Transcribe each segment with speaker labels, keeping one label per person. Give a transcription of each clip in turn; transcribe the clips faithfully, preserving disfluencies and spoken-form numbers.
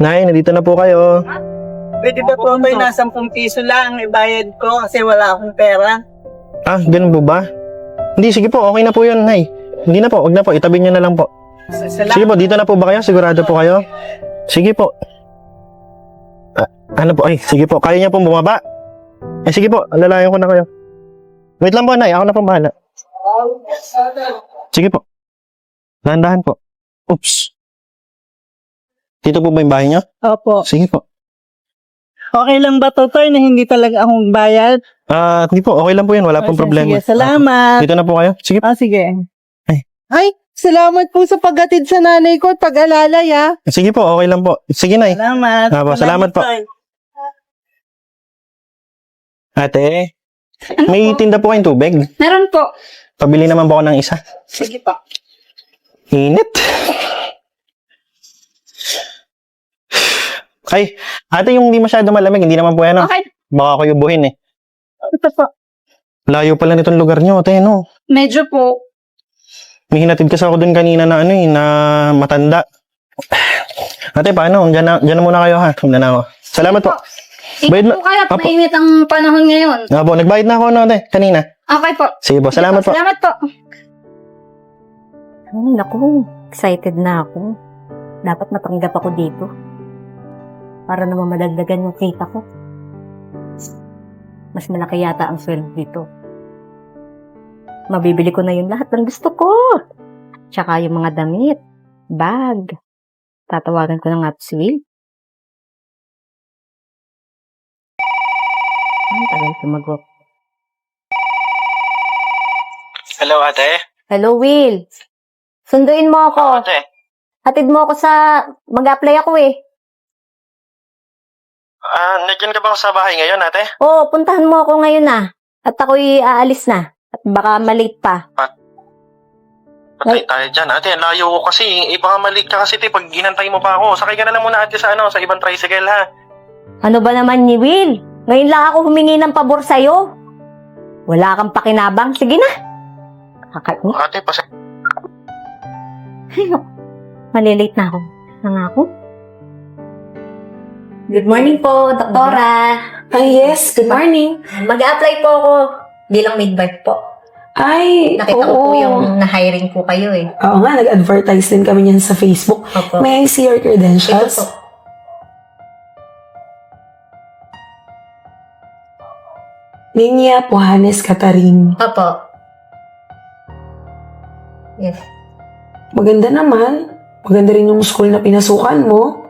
Speaker 1: Nay, nandito na po kayo.
Speaker 2: Pwede ba po may nasa sampung piso lang ibayad ko kasi wala akong pera?
Speaker 1: Ah, ganun po ba? Hindi, sige po, okay na po yun, Nay. Hindi na po, wag na po, itabi niyo na lang po.
Speaker 2: Salamat.
Speaker 1: Sige po, dito na po ba kayo? Sigurado po kayo? Sige po. Ah, ano po? Ay, sige po, kaya niya pong bumaba? Eh, sige po, alalayan ko na kayo. Wait lang po, Nay, ako na po bahala. Sige po. Dahan-dahan po. Oops. Dito po ba yung bahay niyo?
Speaker 2: Opo.
Speaker 1: Sige po.
Speaker 2: Okay lang ba, Totoy, na hindi talaga akong bayad?
Speaker 1: Ah, hindi po, okay lang po yan, wala pong
Speaker 2: Sige,
Speaker 1: problema.
Speaker 2: Sige, salamat.
Speaker 1: Dito na po kayo? Sige po.
Speaker 2: Ah, sige.
Speaker 1: Ay.
Speaker 2: Ay, salamat po sa paghatid sa nanay ko at pag-alalay, ha?
Speaker 1: Sige po, okay lang po. Sige, Nay.
Speaker 2: Salamat.
Speaker 1: Ah, po, salamat po.
Speaker 2: Toy.
Speaker 1: Ate, may tinda po kayong tubig?
Speaker 3: Meron po.
Speaker 1: Pabili naman po ako ng isa.
Speaker 2: Sige po.
Speaker 1: Init. Ay, ate, yung hindi masyado malamig, hindi naman po yan, no?
Speaker 3: Okay.
Speaker 1: Baka ako yubuhin, eh.
Speaker 3: Ito po.
Speaker 1: Layo pala nitong lugar nyo, ate, no?
Speaker 3: Medyo po.
Speaker 1: May hinatid kasi ako dun kanina na, ano, eh, na matanda. Ate, paano? Diyan na, diyan na muna kayo, ha? Diyan na ako. Salamat po. Bayad
Speaker 3: Ingat
Speaker 1: na-
Speaker 3: po kayo at
Speaker 1: Apo.
Speaker 3: mainit ang panahon ngayon.
Speaker 1: Ah, po, nagbayad na ako, no, ate, kanina.
Speaker 3: Okay po.
Speaker 1: Sige po, salamat po.
Speaker 3: Salamat po.
Speaker 4: Ay, naku, excited na ako. Dapat matanggap ako dito. Para naman madagdagan yung kita ko. Mas malaki yata ang sweldo dito. Mabibili ko na yung lahat ng gusto ko. Tsaka yung mga damit, bag. Tatawagan ko na nga si Will. Ang tagal sumagot.
Speaker 1: Hello, ate.
Speaker 4: Hello, Will. Sunduin mo ako.
Speaker 1: Ate.
Speaker 4: Hatid mo ako sa... Mag-apply ako eh.
Speaker 1: Ah, nandiyan ka ba sa bahay ngayon, ate?
Speaker 4: Oo, puntahan mo ako ngayon na. At ako'y aalis na. At baka malate pa.
Speaker 1: Patay tayo dyan, ate. Ang layo ko kasi. Eh, baka malik ka kasi, te. Pag ginantay mo pa ako, sakay ka na lang muna, ate, sa, ano, sa ibang tricycle, ha?
Speaker 4: Ano ba naman ni Will? Ngayon lang ako humingi ng pabor sa'yo. Wala kang pakinabang. Sige na. Kakait mo.
Speaker 1: Ate, pasa...
Speaker 4: Ay, naku. Malilate na ako. Nangako. Good morning po, Doktora.
Speaker 5: Ay, yes. Good morning.
Speaker 4: Mag-a-apply po ako bilang midwife po.
Speaker 5: Ay,
Speaker 4: Nakita ko
Speaker 5: oo.
Speaker 4: po yung na-hiring po kayo eh.
Speaker 5: Oo nga, nag-advertise din kami niyan sa Facebook.
Speaker 4: Opo.
Speaker 5: May I see your
Speaker 4: Ito
Speaker 5: credentials?
Speaker 4: po.
Speaker 5: Linya Puhanes Katarin.
Speaker 4: Opo. Yes.
Speaker 5: Maganda naman. Maganda rin yung school na pinasukan mo.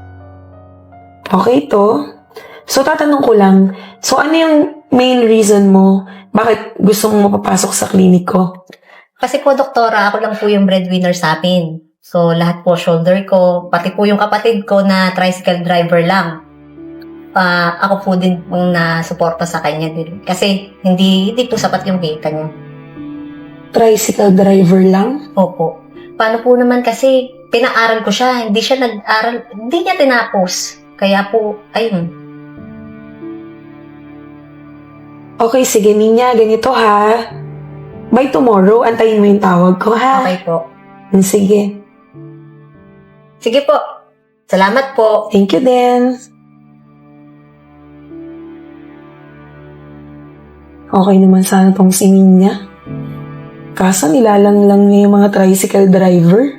Speaker 5: Okay to. So, tatanong ko lang. So, ano yung main reason mo? Bakit gusto mong mapapasok sa klinik ko?
Speaker 4: Kasi po, Doktora, ako lang po yung breadwinner sa amin. So, lahat po shoulder ko, pati po yung kapatid ko na tricycle driver lang. Ah, ako po din pong nasuporta sa kanya din. Kasi hindi, hindi po sapat yung kita niya.
Speaker 5: Tricycle driver lang?
Speaker 4: Opo. Paano po naman kasi pinaaral ko siya, hindi siya nag-aral, hindi niya tinapos. Kaya po, ayun.
Speaker 5: Okay, sige, Ninya. Ganito ha. By tomorrow, antayin mo yung tawag ko ha.
Speaker 4: Okay po.
Speaker 5: Sige.
Speaker 4: Sige po. Salamat po.
Speaker 5: Thank you din. Okay naman sana tong si Ninya. Kaso nilalang lang niya yung mga tricycle driver.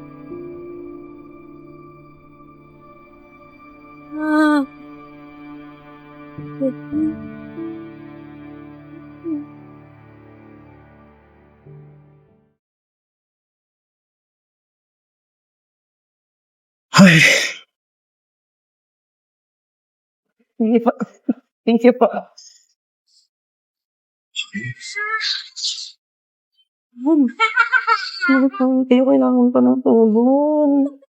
Speaker 1: Ay,
Speaker 2: Sige po. Thank you po. Hindi ko kailangan pa ng tulong.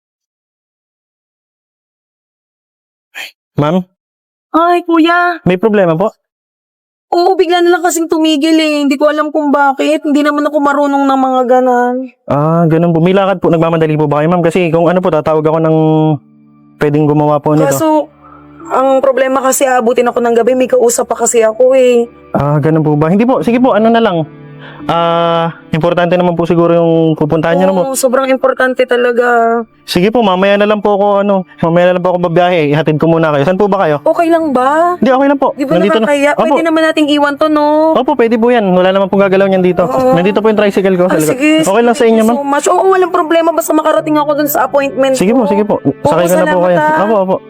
Speaker 1: ma'am,
Speaker 2: Ay, kuya.
Speaker 1: may problema po?
Speaker 2: Oo, bigla na lang kasing tumigil eh. Hindi ko alam kung bakit. Hindi naman ako marunong ng mga ganan.
Speaker 1: Ah, ganun po. May lakad po. Nagmamadali po ba kayo, ma'am? Kasi kung ano po, tatawag ako ng pwedeng gumawa po nito.
Speaker 2: Kaso, ang problema kasi abutin ako ng gabi. May kausap pa kasi ako eh.
Speaker 1: Ah, ganun po ba? Hindi po. Sige po, ano na lang. Ah, importante naman po siguro yung pupuntahan niyo na po.
Speaker 2: Oo, sobrang importante talaga.
Speaker 1: Sige po, mamaya na lang po ako, ano, mamaya na lang po ako babiyahe. Ihatid ko muna kayo. Saan po ba kayo?
Speaker 2: Okay lang ba?
Speaker 1: Hindi, okay lang po.
Speaker 2: Di ba
Speaker 1: Nandito na.
Speaker 2: nakakaya?
Speaker 1: Opo.
Speaker 2: Pwede naman nating iwan to, no?
Speaker 1: Opo, pwede po yan. Wala naman pong gagalaw niyan dito.
Speaker 2: Oo.
Speaker 1: Nandito po yung tricycle ko. sa
Speaker 2: Ah,
Speaker 1: likod.
Speaker 2: sige.
Speaker 1: Okay lang sa inyo, ma'am?
Speaker 2: So much. Oo, walang problema. Basta makarating ako dun sa appointment
Speaker 1: Sige po,
Speaker 2: ko.
Speaker 1: sige po. Sakay ko na po
Speaker 2: salamat,
Speaker 1: kayo.
Speaker 2: ah.
Speaker 1: Opo, opo.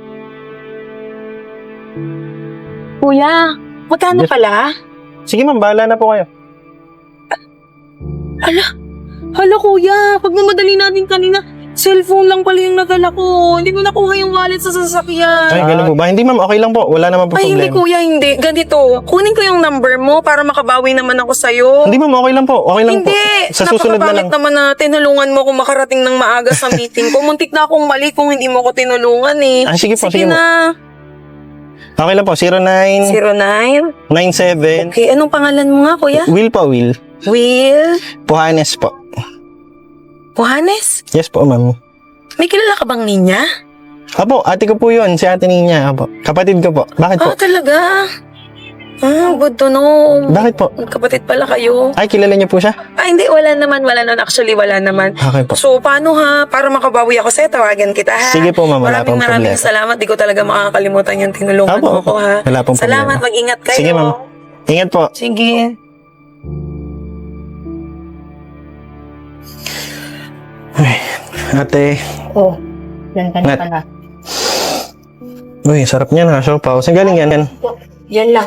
Speaker 5: Kuya, magkano
Speaker 1: Yes.
Speaker 5: pala?
Speaker 1: Sige ma'am, bahala na po kayo.
Speaker 2: Hala, kuya. Pagmamadali natin kanina, cellphone lang pala yung nadala ko. Hindi ko nakuha yung wallet sa sasakyan.
Speaker 1: Ay, ganun po ba? Hindi ma'am, okay lang po. Wala naman po
Speaker 2: Ay, hindi
Speaker 1: problema.
Speaker 2: kuya, hindi. Ganito, kunin ko yung number mo para makabawi naman ako sa'yo.
Speaker 1: Hindi ma'am, okay lang po. Okay lang
Speaker 2: Hindi.
Speaker 1: po. Sa susunod na lang.
Speaker 2: Napakabangit naman na tinulungan mo kung makarating ng maaga sa meeting ko. Muntik na akong mali kung hindi mo ko tinulungan eh.
Speaker 1: Ah, sige po, sige po.
Speaker 2: na.
Speaker 1: Okay lang po. zero nine
Speaker 2: zero nine.
Speaker 1: nine seven.
Speaker 2: Okay, anong pangalan mo nga, kuya?
Speaker 1: Will po, Will.
Speaker 2: Will
Speaker 1: Puhanes po.
Speaker 2: Puhanes?
Speaker 1: Yes po, ma'am.
Speaker 2: May kilala ka bang ninya?
Speaker 1: Apo, ate ko po yun. Si ate niya. Apo. Kapatid ko po. Bakit po?
Speaker 2: Ah, talaga? Ah, good to know.
Speaker 1: Bakit po?
Speaker 2: Kapatid pala kayo.
Speaker 1: Ay, kilala niyo po siya?
Speaker 2: Ah, hindi, wala naman, wala naman. Actually, wala naman.
Speaker 1: Okay po.
Speaker 2: So, paano ha? Para makabawi ako sa'yo, tawagan kita ha?
Speaker 1: Sige po, ma'am. Wala
Speaker 2: Maraming
Speaker 1: pong
Speaker 2: maraming
Speaker 1: problema.
Speaker 2: salamat. Di ko talaga makakalimutan yung tinulungan
Speaker 1: Apo,
Speaker 2: mo
Speaker 1: apo.
Speaker 2: ko ha.
Speaker 1: Wala pong
Speaker 2: Salamat,
Speaker 1: problema.
Speaker 2: mag-ingat kayo.
Speaker 1: Sige, ma'am. Ingat po.
Speaker 2: Sige.
Speaker 1: Ate.
Speaker 4: Oh, yan ka na
Speaker 1: Nat.
Speaker 4: pala.
Speaker 1: Uy, sarap niyan ha. Siopaw. Saan galing yan? Yan.
Speaker 4: Yan lang.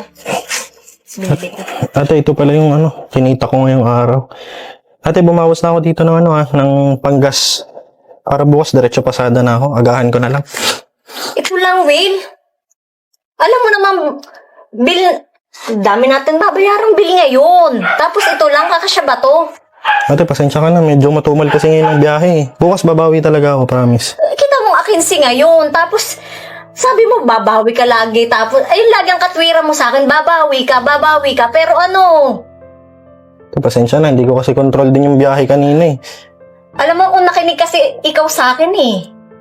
Speaker 4: Bili ko.
Speaker 1: Ate, ito pala yung ano, kinita ko ngayong araw. Ate, bumawas na ako dito ng ano ha, ng panggas. Para bukas, diretso pasada na ako. Agahan ko na lang.
Speaker 4: Ito lang, Will. Alam mo naman, bill, dami natin babayarang bill ngayon. Tapos ito lang, kakasya ba to?
Speaker 1: Ate, pasensya ka na. Medyo matumal kasi ngayon ang biyahe. eh. Bukas babawi talaga ako, promise.
Speaker 4: Eh, Kita mong akinsi ngayon. Tapos, sabi mo, babawi ka lagi. Tapos, ayun lagi ang katwira mo sa akin, babawi ka, babawi ka. Pero ano,
Speaker 1: Ate, pasensya na. Hindi ko kasi control din yung biyahe kanina eh.
Speaker 4: alam mo kung nakinig kasi ikaw sa akin eh.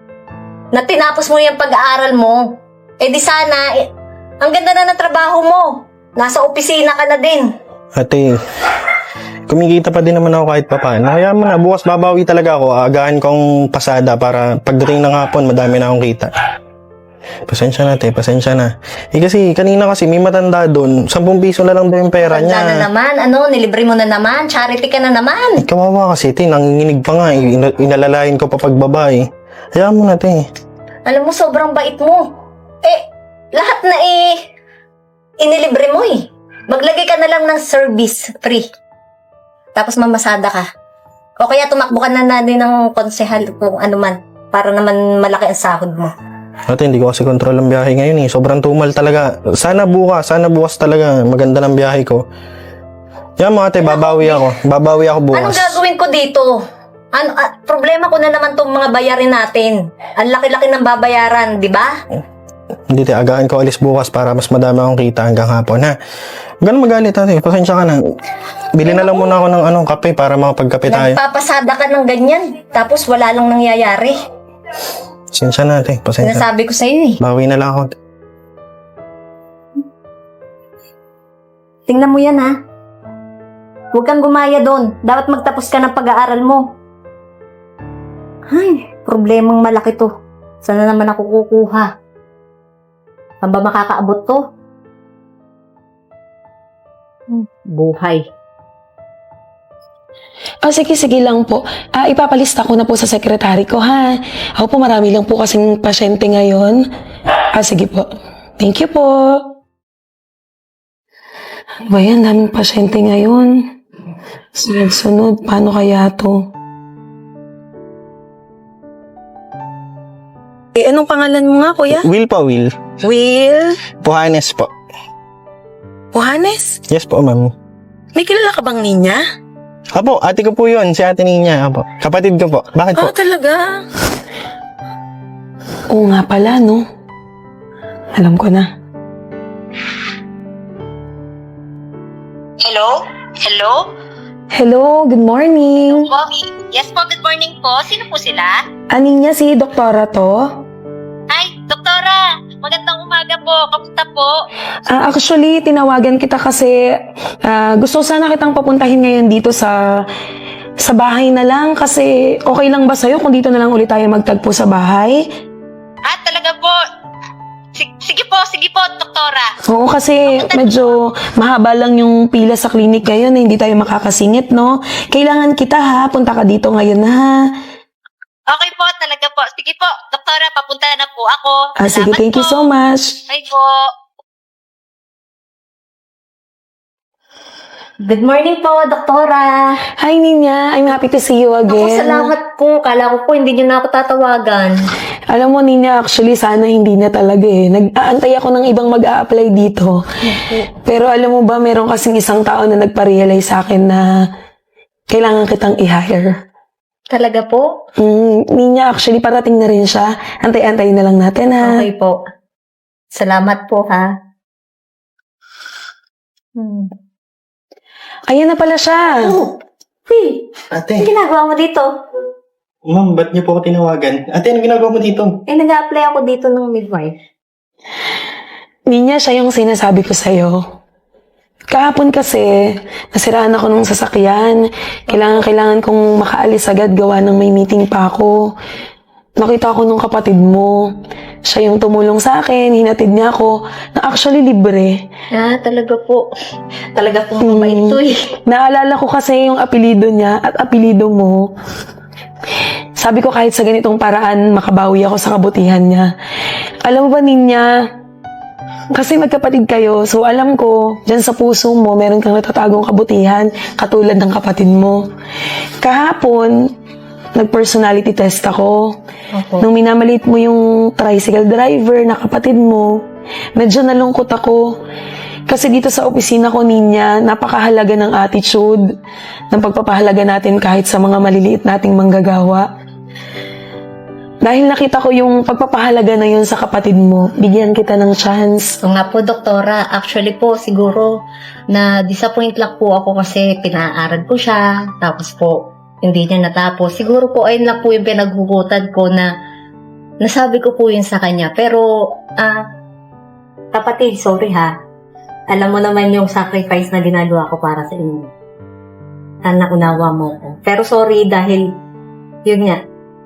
Speaker 4: Na tinapos mo yung pag-aaral mo. Eh di sana, eh, ang ganda na ng trabaho mo. Nasa opisina ka na din.
Speaker 1: Ate, kumikita pa din naman ako kahit pa paano. Kaya mo na, bukas babawi talaga ako. Agahan kong pasada para pagdating ng hapon, madami na akong kita. Pasensya na, te. Pasensya na. Eh kasi, kanina kasi may matanda doon. Sampung piso na lang daw yung pera
Speaker 4: Handa na
Speaker 1: niya.
Speaker 4: naman, ano, nilibre mo na naman, charity ka na naman.
Speaker 1: Eh, kawawa kasi, te. Nanginginig pa nga. eh. Ina- inalalayan ko pa pagbaba eh. Hayaan mo na, te.
Speaker 4: Alam mo, sobrang bait mo. Eh, lahat na eh, inilibre mo eh. Maglagay ka na lang ng service free. Tapos mamasada ka. O kaya tumakbo ka na na din ng konsehal kung ano man. Para naman malaki ang sahod mo.
Speaker 1: Ate, hindi ko kasi control ang biyahe ngayon eh. Sobrang tumal talaga. Sana bukas, sana bukas talaga. Maganda ng biyahe ko. Yan mo, ate. Babawi ako. Babawi ako bukas.
Speaker 4: Anong gagawin ko dito? Ano, ah, problema ko na naman tong mga bayarin natin. Ang laki-laki ng babayaran, di ba?
Speaker 1: Hindi, te. Agahan ko alis bukas para mas madami akong kita hanggang hapon, ha? Ganun magalit, ate. Pasensya ka na. Bili na lang muna ako ng anong kape para makapagkape tayo.
Speaker 4: Nagpapasada ka ng ganyan. Tapos wala lang nangyayari.
Speaker 1: Pasensya na, ate. Pasensya.
Speaker 4: Sinasabi ko sa'yo eh.
Speaker 1: Bawi na lang ako.
Speaker 4: Tingnan mo yan ha. Huwag kang gumaya doon. Dapat magtapos ka ng pag-aaral mo. Ay, problemang malaki to. Saan na naman ako kukuha? Saan ba makakaabot to? Hmm, buhay.
Speaker 5: Oh, sige, sige lang po. Ah, ipapalista ko na po sa sekretary ko, ha? Ako po, marami lang po kasing pasyente ngayon. Ah, sige po. Thank you po. Ano ba yan? Daming pasyente ngayon. Sunod-sunod. Paano kaya to?
Speaker 2: Eh, anong pangalan mo nga, kuya?
Speaker 1: Will po, Will.
Speaker 2: Will
Speaker 1: Puhanes po.
Speaker 2: Puhanes?
Speaker 1: Yes po, ma'am.
Speaker 2: May kilala ka bang ninya?
Speaker 1: Apo, ate ko po yun. Si ate niya. Apo. Kapatid ko po. Bakit po?
Speaker 2: Ah, talaga?
Speaker 5: Oo nga pala, no? Alam ko na.
Speaker 4: Hello? Hello?
Speaker 5: Hello, good morning.
Speaker 4: Po? Yes po, good morning po. Sino po sila?
Speaker 5: Aning niya si doktora to?
Speaker 4: Ay,
Speaker 6: Doktora, magandang umaga po. Kamusta po?
Speaker 5: Ah, actually, tinawagan kita kasi ah, gusto sana kitang papuntahin ngayon dito sa sa bahay na lang kasi okay lang ba sa'yo kung dito na lang ulit tayo magtagpo sa bahay?
Speaker 6: Ah, talaga po. Sig- sige po, sige po, doktora.
Speaker 5: Oo, kasi medyo mahaba lang yung pila sa clinic ngayon na hindi tayo makakasingit, no? Kailangan kita ha, punta ka dito ngayon ha.
Speaker 6: Okay po, talaga po. Sige po, doktora, papunta na po ako.
Speaker 5: Ah, sige,
Speaker 6: Salamat
Speaker 5: thank you
Speaker 6: po.
Speaker 5: so much.
Speaker 6: Bye po.
Speaker 4: Good morning po, doktora.
Speaker 5: Hi, Ninya. I'm happy to see you
Speaker 4: Ako,
Speaker 5: again.
Speaker 4: salamat po. Kala ko po hindi niyo na ako tatawagan.
Speaker 5: Alam mo, Ninya, actually, sana hindi na talaga eh. Nag-aantay ako ng ibang mag-a-apply dito. Pero alam mo ba, meron kasing isang tao na nagpa-realize sa akin na kailangan kitang i-hire.
Speaker 4: Talaga po?
Speaker 5: Mm, Ninya, actually, parating na rin siya. Antay-antayin na lang natin, ha?
Speaker 4: Okay po. Salamat po, ha? Hmm.
Speaker 5: Ayan na pala siya.
Speaker 4: Oh, hey, ano
Speaker 1: Ate,
Speaker 4: ginagawa mo dito?
Speaker 1: ma'am, ba't niyo po ako tinawagan? Ate, ano ginagawa mo dito?
Speaker 4: Eh, nag-apply ako dito ng midwife.
Speaker 5: Ninya, siya yung sinasabi ko sa'yo. Kahapon kasi, nasiraan ako nung sasakyan. Kailangan-kailangan kong makaalis agad gawa ng may meeting pa ako. Nakita ko nung kapatid mo. Siya yung tumulong sa akin, hinatid niya ako, na actually libre.
Speaker 4: Ah, talaga po. Talaga po
Speaker 5: Hmm.
Speaker 4: mabait to eh.
Speaker 5: Naalala ko kasi yung apelido niya at apelido mo. Sabi ko kahit sa ganitong paraan, makabawi ako sa kabutihan niya. Alam mo ba, Ninya, kasi magkapatid kayo, so alam ko, dyan sa puso mo, meron kang natatagong kabutihan, katulad ng kapatid mo. Kahapon, nag-personality test ako.
Speaker 4: Opo.
Speaker 5: Nung minamalit mo yung tricycle driver na kapatid mo, medyo nalungkot ako. Kasi dito sa opisina ko, Ninya, napakahalaga ng attitude, ng pagpapahalaga natin kahit sa mga maliliit nating manggagawa. Dahil nakita ko yung pagpapahalaga na yun sa kapatid mo, bigyan kita ng chance.
Speaker 4: So nga po, doktora, actually po, siguro, na disappoint lang po ako kasi pinaaral ko siya, tapos po, hindi niya natapos. Siguro po, ayun lang po yung pinaghugutan ko na nasabi ko po yun sa kanya. Pero, ah, kapatid, sorry ha. Alam mo naman yung sacrifice na ginagawa ko para sa inyo. Ah, naunawa mo ko. Pero sorry dahil, yun nga,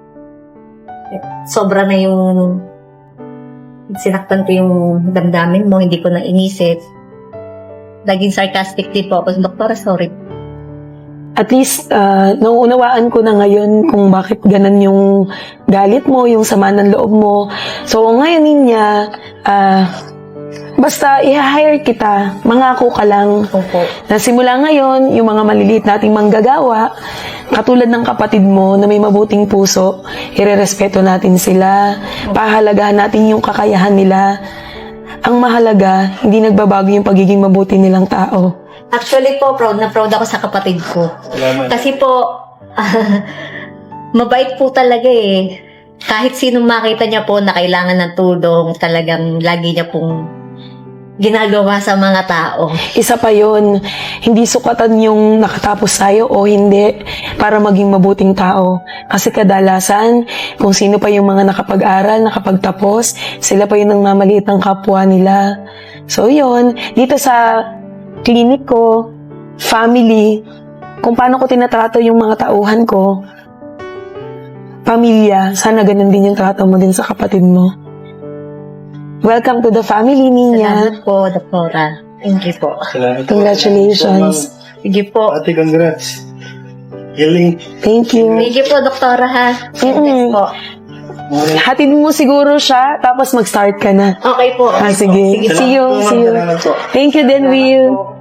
Speaker 4: sobra na yung sinaktan ko yung damdamin mo, hindi ko na inisip. Naging sarcastic din po ako. Doktora, sorry.
Speaker 5: At least, uh, nauunawaan ko na ngayon kung bakit ganan yung galit mo, yung sama ng loob mo. So, ngayon, Ninya, uh, basta i-hire kita, mangako ka lang.
Speaker 4: Opo.
Speaker 5: Na simula ngayon, yung mga maliliit nating manggagawa, katulad ng kapatid mo na may mabuting puso, irerespeto natin sila, pahalagahan natin yung kakayahan nila. Ang mahalaga, hindi nagbabago yung pagiging mabuti nilang tao.
Speaker 4: Actually po, proud na proud ako sa kapatid ko.
Speaker 1: Salamat.
Speaker 4: Kasi po, mabait po talaga eh. Kahit sinong makita niya po na kailangan ng tulong, talagang lagi niya pong ginagawa sa mga tao.
Speaker 5: Isa pa yun, hindi sukatan yung nakatapos tayo o hindi para maging mabuting tao. Kasi kadalasan, kung sino pa yung mga nakapag-aral, nakapagtapos, sila pa yung nangmamaliit ng kapwa nila. So yun, dito sa clinic ko, family, kung paano ko tinatrato yung mga tauhan ko, pamilya, sana ganun din yung trato mo din sa kapatid mo. Welcome to the family, Ninya.
Speaker 4: Salamat po, doktora. Thank you po.
Speaker 1: Salamat.
Speaker 5: Congratulations.
Speaker 4: Sige po.
Speaker 1: Ate, congrats. Galing.
Speaker 5: Thank you.
Speaker 4: Thank you po, doktora ha.
Speaker 5: Mm-mm.
Speaker 4: po.
Speaker 5: Hatid mo siguro siya, tapos mag-start ka na.
Speaker 4: Okay po.
Speaker 5: Ah,
Speaker 4: Okay po.
Speaker 5: sige. See you, see you.
Speaker 1: Salamat po.
Speaker 5: Thank you din, Will.
Speaker 4: po.